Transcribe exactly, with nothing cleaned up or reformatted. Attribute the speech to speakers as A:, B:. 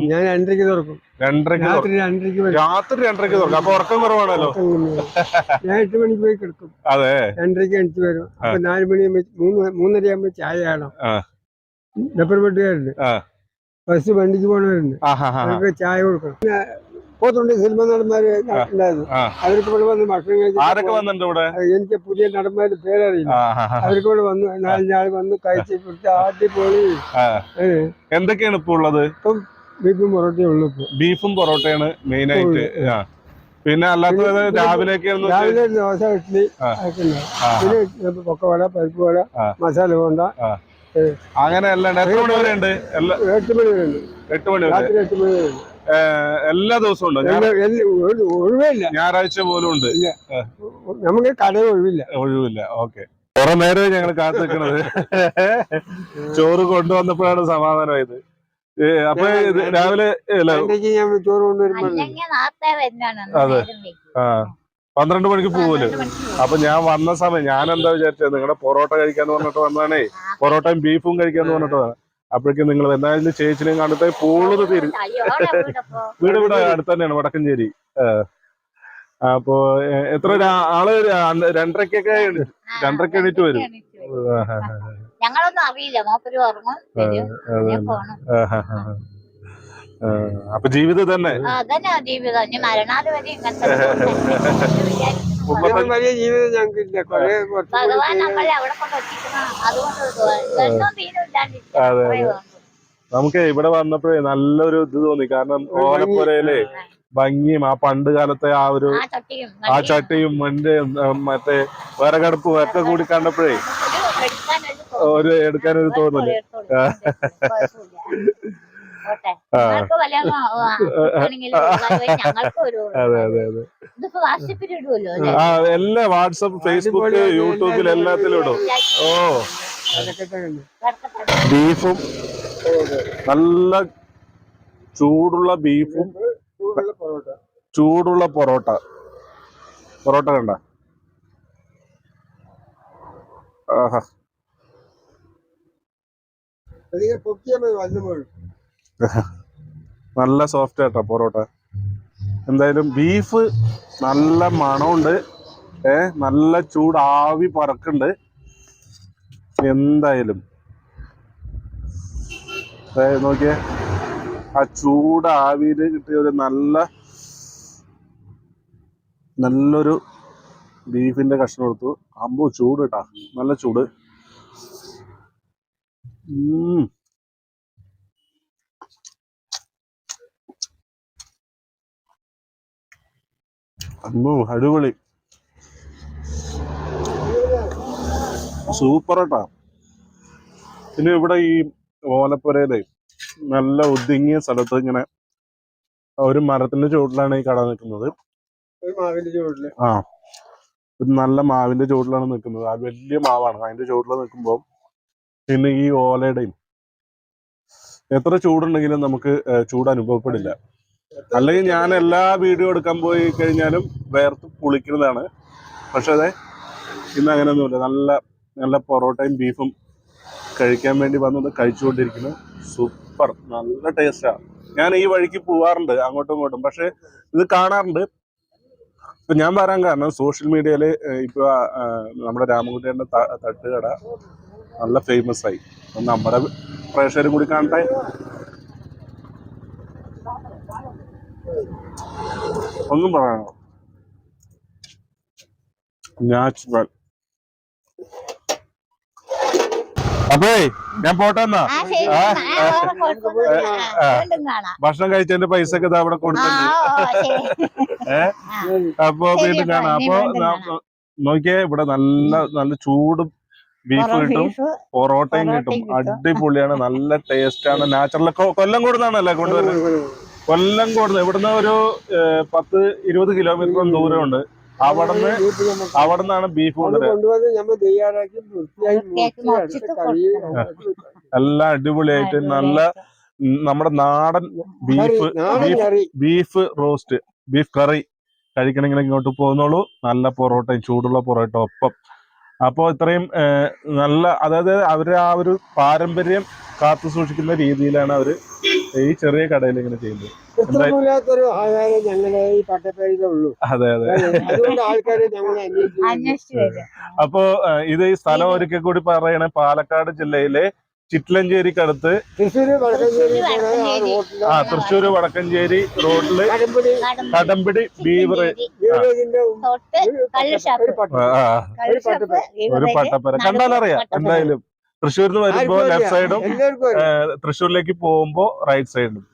A: തുറക്കും?
B: ഞാൻ രണ്ടരയ്ക്ക് തുറക്കും.
A: രണ്ടരയ്ക്ക്
B: രാത്രി രണ്ടരയ്ക്ക്
A: രാത്രി രണ്ടരയ്ക്ക് തുറക്കും. അപ്പൊ ഉറക്കം കുറവാണല്ലോ.
B: ഞാൻ എട്ട് മണിക്ക് പോയി കിടക്കും.
A: അതെ,
B: രണ്ടരയ്ക്ക് എണിച്ച് വരും. അപ്പൊ നാല് മണി മൂന്ന് മൂന്നര ആകുമ്പോ ചായ കാണാം. ഡബർ വെട്ടുകാരുണ്ട്, ബസ് വണ്ടിക്ക് പോണവരുണ്ട്, അവർക്ക് ചായ കൊടുക്കണം. പോത്തുണ്ട് സിനിമ നടന്മാര് ഉണ്ടായിരുന്നു. അവർക്ക് ഇവിടെ വന്ന് ഭക്ഷണം കഴിച്ചു. എനിക്ക് പുതിയ നടന്മാരുടെ പേരറിയില്ല. അവർക്ക് ഇവിടെ വന്ന് നാലഞ്ചാൾ വന്ന് കഴിച്ച് അടിപൊളി.
A: എന്തൊക്കെയാണ് ഇപ്പൊ ഉള്ളത്?
B: ഇപ്പം ബീഫും പൊറോട്ടയും ഉള്ളു. ഇപ്പൊ
A: ബീഫും പൊറോട്ടയാണ് മെയിൻ ആയിട്ട്. പിന്നെ അല്ലാത്തത് രാവിലെ
B: രാവിലെ ദോശ, ഇഡ്ഡലി ഒക്കെ ഉണ്ടാവും. പിന്നെ പൊക്കവട, പരിപ്പ് വട, മസാല ബോണ്ട,
A: അങ്ങനെ എല്ലാം. എത്ര മണി വരെ ഉണ്ട്?
B: എട്ട് മണി വരെ ഉണ്ട്.
A: എട്ട് മണി വരെ
B: രാത്രി എട്ട് മണി വരെ ഉണ്ട്.
A: എല്ലാ ദിവസവും ഉണ്ട്?
B: ഒഴിവില്ല,
A: ഞായറാഴ്ച പോലും ഉണ്ട്.
B: നമുക്ക് കട ഒഴിവില്ല.
A: ഒഴിവില്ല. ഓക്കെ. കുറെ നേരം ഞങ്ങൾ കാത്തു നിൽക്കണത്. ചോറ് കൊണ്ടുവന്നപ്പോഴാണ് സമാധാനമായത്. അപ്പൊ രാവിലെ
B: ചോറ് കൊണ്ടുവരുമ്പോ
A: അതെ, ആ പന്ത്രണ്ട് മണിക്ക് പോവല്ലോ. അപ്പൊ ഞാൻ വന്ന സമയം ഞാൻ എന്താ വിചാരിച്ചത്, നിങ്ങളുടെ പൊറോട്ട കഴിക്കാന്ന് പറഞ്ഞിട്ട് വന്നാണേ, പൊറോട്ടയും ബീഫും കഴിക്കാന്ന് പറഞ്ഞിട്ട്. അപ്പോഴേക്കും നിങ്ങൾ എന്തായാലും ചേച്ചിനെയും കണ്ടിട്ട് കൂടുതൽ തീരും. വീട് ഇവിടെ അടുത്ത് തന്നെയാണ്, വടക്കഞ്ചേരി. അപ്പൊ എത്ര ആള് രണ്ടരക്കൊക്കെ രണ്ടരക്ക് എണീറ്റ് വരും.
C: ഞങ്ങളൊന്നും അറിയില്ല.
A: അപ്പൊ ജീവിതം തന്നെ
C: ജീവിതം മരണാട് വരെ
B: വലിയ ജീവിതം ഞങ്ങൾക്ക് ഇല്ല.
C: ഭഗവാൻ നമ്മളെ അവിടെ കൊണ്ട് എത്തിക്കണം. അതുകൊണ്ട്
A: നമുക്ക് ഇവിടെ വന്നപ്പോഴേ നല്ലൊരു ഇത് തോന്നി. കാരണം ഓലപ്പുരയിലെ ഭംഗിയും ആ പണ്ട് കാലത്തെ ആ ഒരു ആ ചട്ടിയും മണ്ണ് മറ്റേ വിറകടുപ്പും ഒക്കെ കൂടി കണ്ടപ്പോഴേ ഒരു എടുക്കാനൊരു തോന്നല്. അതെ അതെ അതെ. ആ എല്ലാ വാട്സപ്പ്, ഫേസ്ബുക്ക്, യൂട്യൂബിൽ എല്ലാത്തിലും ഇടും. ഓ, ബീഫും നല്ല ചൂടുള്ള ബീഫും ചൂടുള്ള പൊറോട്ട. പൊറോട്ട കണ്ട ആഹാ, നല്ല സോഫ്റ്റ് ആയിട്ടാ പൊറോട്ട. എന്തായാലും ബീഫ് നല്ല മണമുണ്ട്. ഏ നല്ല ചൂട് ആവി പറക്കുന്നുണ്ട്. എന്തായാലും നോക്കിയേ, ആ ചൂട് ആവിയില് കിട്ടിയ ഒരു നല്ല നല്ലൊരു ബീഫിന്റെ കഷ്ണം എടുത്തു. അമ്പോ ചൂട് കേട്ടാ, നല്ല ചൂട്. ഉം അമ്മോ അടിപൊളി, സൂപ്പർ കേട്ടാ. പിന്നെ ഇവിടെ ഈ ഓലപ്പുരയിലെ നല്ല ഒതുങ്ങിയ സ്ഥലത്ത് ഇങ്ങനെ ഒരു മരത്തിന്റെ ചുവട്ടിലാണ് ഈ കട നിൽക്കുന്നത്. ആ, ഒരു നല്ല മാവിന്റെ ചുവട്ടിലാണ് നിൽക്കുന്നത്. ആ വലിയ മാവാണ്. അതിന്റെ ചുവട്ടിൽ നിൽക്കുമ്പോൾ പിന്നെ ഈ ഓലയുടെയും എത്ര ചൂടുണ്ടെങ്കിലും നമുക്ക് ചൂട് അനുഭവപ്പെടില്ല. അല്ലെങ്കിൽ ഞാൻ എല്ലാ വീഡിയോ എടുക്കാൻ പോയി കഴിഞ്ഞാലും വേർത്ത് പുളിക്കുന്നതാണ്. പക്ഷെ അതെ, ഇന്ന് അങ്ങനെയൊന്നുമില്ല. നല്ല നല്ല പൊറോട്ടയും ബീഫും കഴിക്കാൻ വേണ്ടി വന്നത് കഴിച്ചുകൊണ്ടിരിക്കുന്നു. സൂപ്പർ, നല്ല ടേസ്റ്റാണ്. ഞാൻ ഈ വഴിക്ക് പോവാറുണ്ട് അങ്ങോട്ടും ഇങ്ങോട്ടും, പക്ഷെ ഇത് കാണാറുണ്ട്. ഇപ്പൊ ഞാൻ പറയാൻ കാരണം സോഷ്യൽ മീഡിയയില് ഇപ്പൊ നമ്മുടെ രാമൻകുട്ടിയുടെ തട്ടുകട നല്ല ഫേമസ് ആയി. നമ്മുടെ പ്രേക്ഷകരും കൂടി കാണട്ടെ. ഒന്നും പറയാനോ, നാച്ചുറൽ. അപ്പേ ഞാൻ പോട്ടെ എന്നാ. ഭക്ഷണം കഴിച്ചതിന്റെ പൈസ ഒക്കെ അവിടെ കൊടുത്തിട്ടുണ്ട്. ഏ അപ്പൊ വീണ്ടും കാണാം. അപ്പൊ നോക്കിയേ, ഇവിടെ നല്ല നല്ല ചൂട് ബീഫ് കിട്ടും, പൊറോട്ടയും കിട്ടും. അടിപൊളിയാണ്, നല്ല ടേസ്റ്റ് ആണ്. നാച്ചുറൽ. കൊല്ലം കൂടുന്നാണല്ലേ കൊണ്ടുവരുന്നത്? കൊല്ലം കൂടുന്നത്. ഇവിടുന്ന് ഒരു പത്ത് ഇരുപത് കിലോമീറ്റർ ദൂരമുണ്ട്. അവിടുന്ന് അവിടുന്നാണ് ബീഫ് കൊണ്ടുവരുന്നത്. എല്ലാം അടിപൊളിയായിട്ട് നല്ല നമ്മുടെ നാടൻ beef beef roast, beef curry കഴിക്കണമെങ്കിൽ ഇങ്ങോട്ട് പോകുന്നുള്ളൂ. നല്ല പൊറോട്ടയും ചൂടുള്ള പൊറോട്ട ഒപ്പം. അപ്പോൾ ഇത്രയും നല്ല, അതായത് അവര് ആ ഒരു പാരമ്പര്യം കാത്തു സൂക്ഷിക്കുന്ന രീതിയിലാണ് അവർ ഈ ചെറിയ കടയിൽ ഇങ്ങനെ ചെയ്യുന്നത്.
B: കൃത്രിമില്ലാത്തൊരു ആഹാരം ഞങ്ങളെ ഈ പട്ടപ്പേരിലേ ഉള്ളൂ.
A: അതെ അതെ.
B: അതുകൊണ്ട് ആൾക്കാര് ഞങ്ങളെ അന്വേഷിച്ചു
C: അന്വേഷിച്ചു വരും.
A: അപ്പോ ഏഹ്, ഇത് ഈ സ്ഥലം ഒരിക്കൽ കൂടി പറയണേ, പാലക്കാട് ജില്ലയിലെ ചിറ്റ്ലഞ്ചേരിക്കടുത്ത്
B: തൃശ്ശൂര് വടക്കഞ്ചേരി പോണ ആ
C: വടക്കഞ്ചേരി.
B: റോഡില്
A: ആ തൃശ്ശൂര് വടക്കഞ്ചേരി റോഡില്
B: കടമ്പടി
A: കടമ്പിടി ബീവർ
B: ബീവറേജിന്റെ
C: തൊട്ട് കള്ള് ഷാപ്പ്.
B: ഒരു പട്ട
A: ആ,
C: കള്ള് ഷാപ്പ്
A: ഒരു
C: ഇവിടെ
A: പട്ടപ്പര കണ്ടാലറിയാം എന്തായാലും. തൃശ്ശൂരിൽ നിന്ന് വരുമ്പോ ലെഫ്റ്റ് സൈഡും
B: എല്ലാവർക്കും അറിയാം.
A: തൃശ്ശൂരിലേക്ക് പോകുമ്പോ റൈറ്റ് സൈഡും